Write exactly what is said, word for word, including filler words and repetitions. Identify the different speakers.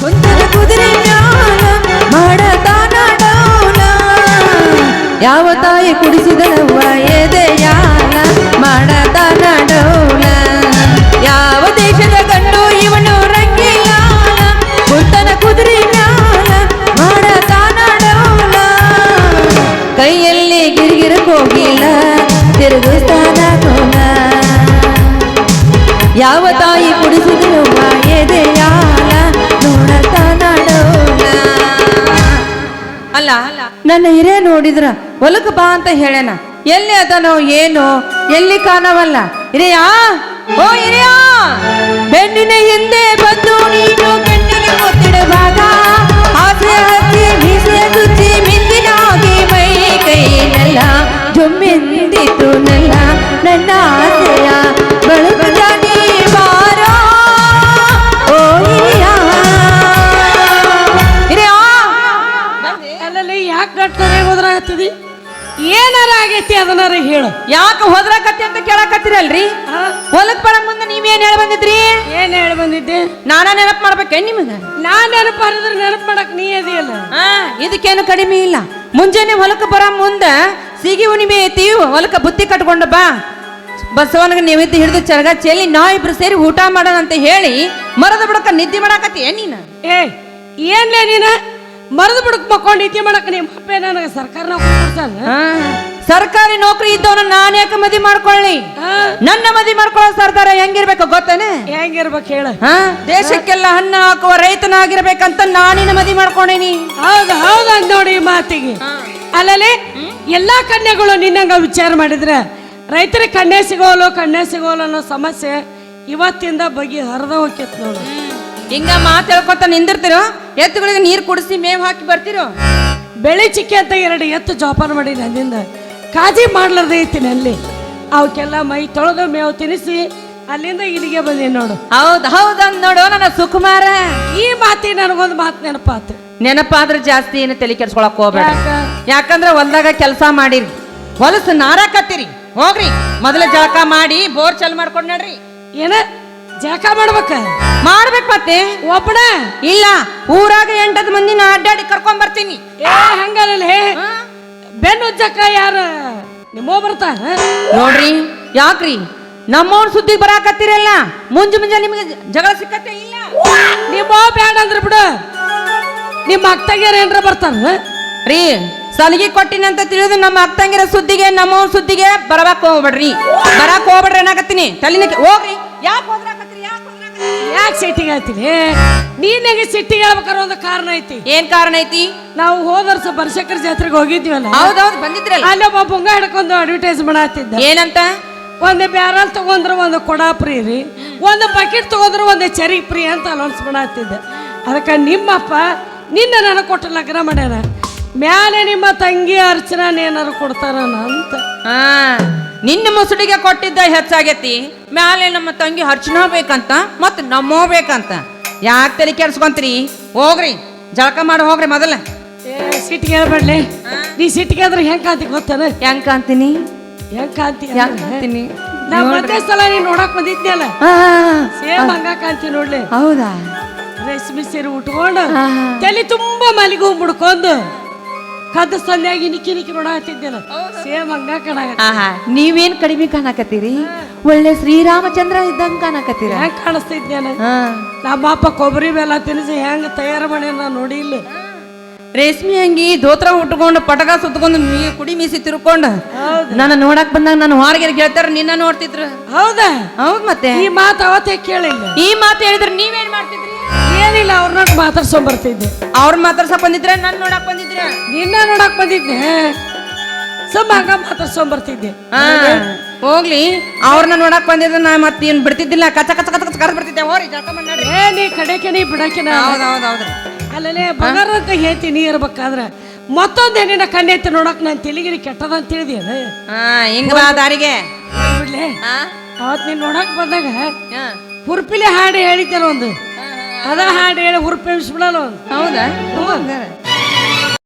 Speaker 1: ಕುಂತನ ಕುದುರೆ ಮ್ಯಾಲ ಮಾಡತಾನ ಡೌಲ ಯಾವ ತಾಯಿ ಕುಡಿಸಿದಳವ್ವ ಎದೆಯಾಲ ಮಾಡತಾನ ಡೌಲ ಯಾವ ದೇಶದ ಗಂಡು ಇವನು ರಂಗಿಲಾಲ ಕುಂತನ ಕುದುರೆ ಮ್ಯಾಲ ಮಾಡತಾನ ಡೌಲ ಕೈಯಲ್ಲಿ ಗಿರಿಗಿರ ಹೋಗಿಲ್ಲ ತಿರುಗಿಸ್ತಾನ ಕೋಲ ಯಾವ ತಾಯಿ ಕುಡಿಸಿದಳವ್ವ ಎದೆಯಾಲ ನೋಡತಾನ ಡೌಲ ಅಲ್ಲ ನನ್ನ ಹಿರೇ ನೋಡಿದ್ರ ಹೊಲಕ ಬಾ ಅಂತ ಹೇಳೇನ ಎಲ್ಲಿ ಅದನೋ ಏನೋ ಎಲ್ಲಿ ಕಾಣವಲ್ಲ ಹಿರಿಯಾ ಓ ಹಿರಿಯಾ ಬೆನ್ನಿನ ಹಿಂದೆ ಬಂದು ನೀನು ಕಣ್ಣಿಗೆ ಮುತ್ತಿಡುವಾಗ ಆಸೆ ಹಚ್ಚಿ ಮೀಸೆ ಚುಚ್ಚಿ ಮಿಂದಿನಾಗಿ ಮೈ ಕೈನೆಲ್ಲ ಜೊಮ್ಮೆಂದಿತು ನೆಲ್ಲ ನನ್ನ ಆಸೆಯ ಬೆಳಗುತ್ತ ನೀ ಬಾರೋ ಓ ಹಿರಿಯಾ ಹಿರಿಯಾ
Speaker 2: ಅಲ್ಲಲ್ಲಿ ಯಾಕೆ ಗಟ್ಟರೆ ಹೋದ್ರಾಗತ್ತದಿ ಏನಾರ ಆಗೈತಿ ಅದನ್ನಾರ ಹೇಳು
Speaker 1: ಯಾಕೆ ಹೋದ್ರಾಕತ್ತಿ ಅಂತ ಕೇಳಕತ್ತೀರಲ್ರಿ ಹೊಲಕ್ ಬರ ಮುಂದೆ ನೀವೇನ್ ಹೇಳಿ ಬಂದಿದ್ರಿ
Speaker 2: ಏನ್ ಹೇಳಿ ಬಂದಿದ್ದೆ
Speaker 1: ನಾನ ನೆನಪು ಮಾಡ್ಬೇಕೆ ನಿಮಗ
Speaker 2: ನಾನ್ ನೆನಪು ಹರಿದ್ರೆ ನೆನಪು ಮಾಡಕ್ ನೀ ಅದಿಯಲ್ಲ
Speaker 1: ಹಾ ಇದಕ್ಕೇನು ಕಡಿಮೆ ಇಲ್ಲ ಮುಂಜಾನೆ ಹೊಲಕ್ಕೆ ಬರ ಮುಂದ ಸಿಗಿ ಹುಣ್ಣಿಮೆ ಐತಿ ಹೊಲಕ್ಕ ಬುತ್ತಿ ಕಟ್ಕೊಂಡು ಬಾ ಬಸವನಿಗೆ ನಿಮಿತ್ತ ಹಿಡಿದು ಚರಗ ಚೆಲ್ಲಿ ನಾ ಇಬ್ರು ಸೇರಿ ಊಟ ಮಾಡೋಣ ಅಂತ ಹೇಳಿ ಮರದ ಬಿಡಕ ನಿದ್ದೆ ಮಾಡಾಕತ್ತಿ ಏನ್ ನೀನ
Speaker 2: ಏ ಏನ್ಲೇ ನೀನ ಮರದ ಬಿಡಕ್ ಮಕ್ಕೊಂಡು ನಿದ್ದೆ ಮಾಡಕ್ ನಿಮ್ಮ ಅಪ್ಪೆ ನನಗೆ ಸರ್ಕಾರ ನೌಕರಿ ಕೊಡ್ತಾನ
Speaker 1: ಸರ್ಕಾರಿ ನೌಕರಿ ಇದ್ದವನ ನಾನ್ ಯಾಕೆ ಮದಿ ಮಾಡ್ಕೊಳ್ಳಿ ನನ್ನ ಮದಿ ಮಾಡ್ಕೊಳ್ಳೋ ಸರ್ದಾರ ಹೆಂಗಿರ್ಬೇಕು ಗೊತ್ತೇನೆ
Speaker 2: ಹೆಂಗಿರ್ಬೇಕು ಹೇಳ
Speaker 1: ಹಾ ದೇಶಕ್ಕೆಲ್ಲ ಹಣ್ಣು ಹಾಕುವ ರೈತನಾಗಿರ್ಬೇಕಂತ ನಾನಿನ ಮದಿ ಮಾಡ್ಕೊಂಡೇನಿ
Speaker 2: ಹೌದು ಹೌದು ಅಂದ್ ನೋಡಿ ಈ ಮಾತಿಗೆ ಅಲ್ಲಲ್ಲಿ ಎಲ್ಲಾ ಕನ್ಯೆಗಳು ನಿನ್ನಂಗ ವಿಚಾರ ಮಾಡಿದ್ರೆ ರೈತರಿಗೆ ಕನ್ಯೆ ಸಿಗೋಲು ಕನ್ಯೆ ಸಿಗೋಲು ಅನ್ನೋ ಸಮಸ್ಯೆ ಇವತ್ತಿಂದ ಬಗೆ ಹರಿದ ಹೋಗ್ಯತ್ ನೋಡು
Speaker 1: ಹಿಂಗ ಮಾತು ಹೇಳ್ಕೊತ ನಿಂದಿರ್ತಿರೋ ಎತ್ತುಗಳಿಗೆ ನೀರು ಕುಡಿಸಿ ಮೇವ್ ಹಾಕಿ ಬರ್ತಿರೋ
Speaker 2: ಬೆಳೆ ಚಿಕ್ಕಿ ಅಂತ ಎರಡು ಎತ್ತು ಜೋಪಾನ ಮಾಡಿ ನನ್ನಿಂದ ಕಾಜಿ ಮಾಡ್ಲಾರ್ದೆ ಐತೀನಿ ಅಲ್ಲಿ ಅವಕ್ಕೆಲ್ಲ ಮೈ ತೊಳೆದು ಮೇವು ತಿನ್ನಿಸಿ ಅಲ್ಲಿಂದ ಇಲ್ಲಿಗೆ ಬಂದಿ ನೋಡು
Speaker 1: ಹೌದ್ ಹೌದಂದ್ ನೋಡು ನನ್ನ ಸುಕುಮಾರ
Speaker 2: ಈ ಮಾತಿ ನನಗೊಂದು ಮಾತು ನೆನಪಾತು
Speaker 1: ನೆನಪಾದ್ರೆ ಜಾಸ್ತಿ ಏನು ತಲೆ ಕೆಡ್ಸ್ಕೊಳಕ್ ಹೋಗ್ಬೇಡ ಯಾಕಂದ್ರೆ ಹೊಲ್ದಾಗ ಕೆಲಸ ಮಾಡಿರಿ ಹೊಲಸು ನಾರಾಕತ್ತೀರಿ ಹೋಗ್ರಿ ಮೊದಲ ಜಳಕ ಮಾಡಿ ಬೋರ್ ಚಲ್ ಮಾಡ್ಕೊಂಡ್ ನಡ್ರಿ
Speaker 2: ಏನ ಜಳಕ ಮಾಡ್ಬೇಕ
Speaker 1: ಮಾಡ್ಬೇಕು ಮತ್ತೆ
Speaker 2: ಒಬ್ಬನ
Speaker 1: ಇಲ್ಲ ಊರಾಗ ಎಂಟದ್ ಮಂದಿನ ಅಡ್ಡಾಡಿ ಕರ್ಕೊಂಡ್ ಬರ್ತೀನಿ
Speaker 2: ಏ ಹಂಗಲ್ಲ ಬೆನ್ನು ಉಜ್ಜಕ್ಕ ಯಾರ ನಿಮ್ಮೋ ಬರ್ತಾ
Speaker 1: ನೋಡ್ರಿ ಯಾಕ್ರಿ ನಮ್ಮವ್ರ ಸುದ್ದಿ ಬರಾಕತ್ತೀರಲ್ಲ ಮುಂಜು ಮುಂಜಾ ನಿಮಗೆ ಜಗಳ ಸಿಕ್ಕತ್ತೆ ಇಲ್ಲ
Speaker 2: ನಿಮ್ಮೋ ಬ್ಯಾಡ ಅಂದ್ರ ಬಿಡು ನಿಮ್ಮ ಅಕ್ಕಗಿಯರ ಏನ್ರ ಬರ್ತಾರ
Speaker 1: ರೀ ಸಲಿಗೆ ಕೊಟ್ಟಿನಂತ ತಿಳಿದು ನಮ್ಮ ಅಕ್ಕಂಗಿರ ಸುದ್ದಿಗೆ ನಮ್ಮವ್ರ ಸುದ್ದಿಗೆ ಬರಬೇಕು ಹೋಗ್ಬೇಡ್ರಿ ಬರಾಕ್ ಹೋಗ್ಬೇಡ್ರಿ ಏನಾಗತ್ತೀನಿ ತಲೆನ ಹೋಗ್ರಿ ಯಾಕೆ ಹೋದ್ರಾಕತ್ತೀರಿ
Speaker 2: ಯಾಕೆ ಸಿಟ್ಟಿಗೆ ಹೇಳ್ತೀನಿ ನೀನಾಗೆ ಸಿಟ್ಟಿಗೆ ಹೇಳ್ಬೇಕಾದ್ರೆ ಒಂದು ಕಾರಣ ಐತಿ
Speaker 1: ಏನ್ ಕಾರಣ ಐತಿ
Speaker 2: ನಾವು ಹೋದ ವರ್ಷ ಬನಶಂಕರ ಜಾತ್ರೆಗೆ ಹೋಗಿದ್ವಲ್ಲ
Speaker 1: ಹೌದೌದು ಬಂದಿದ್ರಲ್ಲ
Speaker 2: ಅಲ್ಲಿ ಒಬ್ಬ ಪುಂಗ ಹಿಡ್ಕೊಂಡು ಅಡ್ವರ್ಟೈಸ್ ಮಾಡತ್ತಿದ್ದ
Speaker 1: ಏನಂತ
Speaker 2: ಒಂದು ಬ್ಯಾರಲ್ ತಗೊಂಡ್ರೆ ಒಂದು ಕೊಡ ಫ್ರೀ ರೀ ಒಂದು ಬಕೆಟ್ ತಗೊಂಡ್ರೆ ಒಂದು ಚರಿ ಫ್ರೀ ಅಂತ ಅನೌನ್ಸ್ ಮಾಡತ್ತಿದ್ದ ಅದಕ್ಕೆ ನಿಮ್ಮಪ್ಪ ನಿನ್ನ ನನಗೆ ಕೊಟ್ಟು ಲಗ್ನ ಮಾಡ್ಯಾರ ಮ್ಯಾಲೆ ನಿಮ್ಮ ತಂಗಿ ಅರ್ಚನಾ ಏನಾರು ಕೊಡ್ತಾರ ಅಂತ
Speaker 1: ಹಾ ನಿನ್ನ ಮುಸುಡಿಗೆ ಕೊಟ್ಟಿದ್ದ ಹೆಚ್ಚಾಗೈತಿ ಮ್ಯಾಲೆ ನಮ್ಮ ತಂಗಿ ಅರ್ಚನಾ ಬೇಕಂತ ಮತ್ ನಮ್ಮೋ ಬೇಕಂತ ಯಾಕೆ ತಲೆ ಕೆಡ್ಸ್ಕೊಂತೀರಿ ಹೋಗ್ರಿ ಜಳಕ ಮಾಡಿ ಹೋಗ್ರಿ ಮೊದಲ
Speaker 2: ಸಿಟ್ಟಿಗೆ ಹೇಳ್ಬೇಡ್ಲಿ ನೀ ಸಿಟ್ಟಿಗೆ ಆದ್ರೆ ಹೆಂಗ್ ಕಾಂತಿ ಗೊತ್ತಾನ
Speaker 1: ಹೆಂಗ್ ಕಾಂತೀನಿ
Speaker 2: ಹೆಂಗ್ ಕಾಂತಿ
Speaker 1: ಕಾಂತೀನಿ
Speaker 2: ನಾ ಮತ್ತೆ ಸಲ ನೀನ್ ನೋಡಕ್ ಬಂದಿದ್ನಲ್ಲ ಸೇಮ್ ಹಂಗ ಕಾಂತಿ ನೋಡ್ಲಿ
Speaker 1: ಹೌದಾ
Speaker 2: ರೇಷ್ಮೆ ಸೀರೆ ಉಟ್ಕೊಂಡು ತಲೆ ತುಂಬಾ ಮಲಿಗೆ ಹೋಗಿ ಮುಡ್ಕೊಂಡು ಕದ್ದು ಸಂಧ್ಯಾಗಿ ನಿಕ್ಕಿ ನಿಕ್ಕಿ ನೋಡತ್ತಿದ್ದೆಲ್ಲ ಸೇಮ್ ಹಂಗ ಕಾಣ
Speaker 1: ನೀವೇನ್ ಕಡಿಮೆ ಕಾಣಕತ್ತೀರಿ ಒಳ್ಳೆ ಶ್ರೀರಾಮಚಂದ್ರ ಇದ್ದಂಗ ಕಾಣಕತ್ತೀರ
Speaker 2: ಹೆಂಗ್ ಕಾಣಿಸ್ತಿದ್ದೇನೆ ನಮ್ಮ ಅಪ್ಪ ಕೊಬ್ಬರಿ ಬೆಲ್ಲ ತಿನ್ನಿಸಿ ಹೆಂಗ್ ತಯಾರು ಮಾಡಿ ನಾ ನೋಡಿ ಇಲ್ಲಿ
Speaker 1: ರೇಷ್ಮೆ ಅಂಗಿ ದೋತ್ರ ಉಟ್ಕೊಂಡು ಪಟಕ ಸುತ್ಕೊಂಡು ಕುಡಿ ಮೀಸಿ ತಿರ್ಕೊಂಡು ನನ್ನ ನೋಡಕ್ ಬಂದಾಗ ನಾನು ಹೊರಗೆ ಗೆಳತಾರ ನಿನ್ನ ನೋಡ್ತಿದ್ರು
Speaker 2: ಹೌದಾ
Speaker 1: ಹೌದ್ ಮತ್ತೆ
Speaker 2: ಈ ಮಾತು ಅವತ್ತೇ ಕೇಳಿಲ್ಲ
Speaker 1: ಈ ಮಾತು ಹೇಳಿದ್ರೆ ನೀವೇನ್ ಮಾಡ್ತಿದ್ರಿ
Speaker 2: ಏನಿಲ್ಲ ಅವ್ರನ್ನ ಮಾತಾಡ್ಸೊಂಡ್ ಬರ್ತಿದ್ದೆ
Speaker 1: ಅವ್ರ ಮಾತಾಡ್ಸಕ್ ಬಂದಿದ್ರೆ ನನ್ ನೋಡಕ್ ಬಂದಿದ್ರ
Speaker 2: ನಿನ್ನ ನೋಡಕ್ ಬಂದಿದ್ನೆ ಸುಮ್ಮ ಹಂಗ ಮಾತಾಡ್ಸೊಂಡ್ ಬರ್ತಿದ್ದೆ
Speaker 1: ಹೋಗ್ಲಿ ಅವ್ರನ್ನ ನೋಡಕ್ ಬಂದಿದ್ರೆ ನಾ ಮತ್ತೆ ಏನ್ ಬಿಡ್ತಿದ್ದಿಲ್ಲ ಕಚ ಕಚ ಕಚ ಕಚ ಕರ್ದ್ ಬರ್ತಿದ್ದೆ ಹೋರಿ ಜಳಕ ಮಾಡಿ ನಡ್ರಿ
Speaker 2: ಏ ನೀ ಕಡೆಕೆ ನೀ ಬಿಡಕಿನ
Speaker 1: ಹೌದೌದೌದ್ರಿ
Speaker 2: ಅಲ್ಲೇ ಬಂಗಾರ ಅಂತ ಹೇಳ್ತಿ ನೀ ಇರ್ಬೇಕಾದ್ರ ಮತ್ತೊಂದ್ ಹೆಣ್ಣಿನ ಕಣ್ಣೆತ್ತಿ ನೋಡಕ್ ನಾನು ತೆಲಿಗಿರಿ ಕೆಟ್ಟದ ಅಂತ ತಿಳಿದೇನ
Speaker 1: ಹಾ ಹಿಂಗ ಬಾ ದಾರಿಗೆ
Speaker 2: ಬಿಡ್ಲೆ ಅವತ್ ನೀನ್ ನೋಡಕ್ ಬಂದಾಗ ಹುರ್ಪಿಲೆ ಹಾಡು ಹೇಳಿದ್ದೆಲ್ಲ ಒಂದು ಅದ ಹಾಡು ಹೇಳಿ ಹುರುಪೆಬ್ಬಿಸ್ಬಿಡಲ್ಲ ಒಂದು
Speaker 1: ಹೌದಾ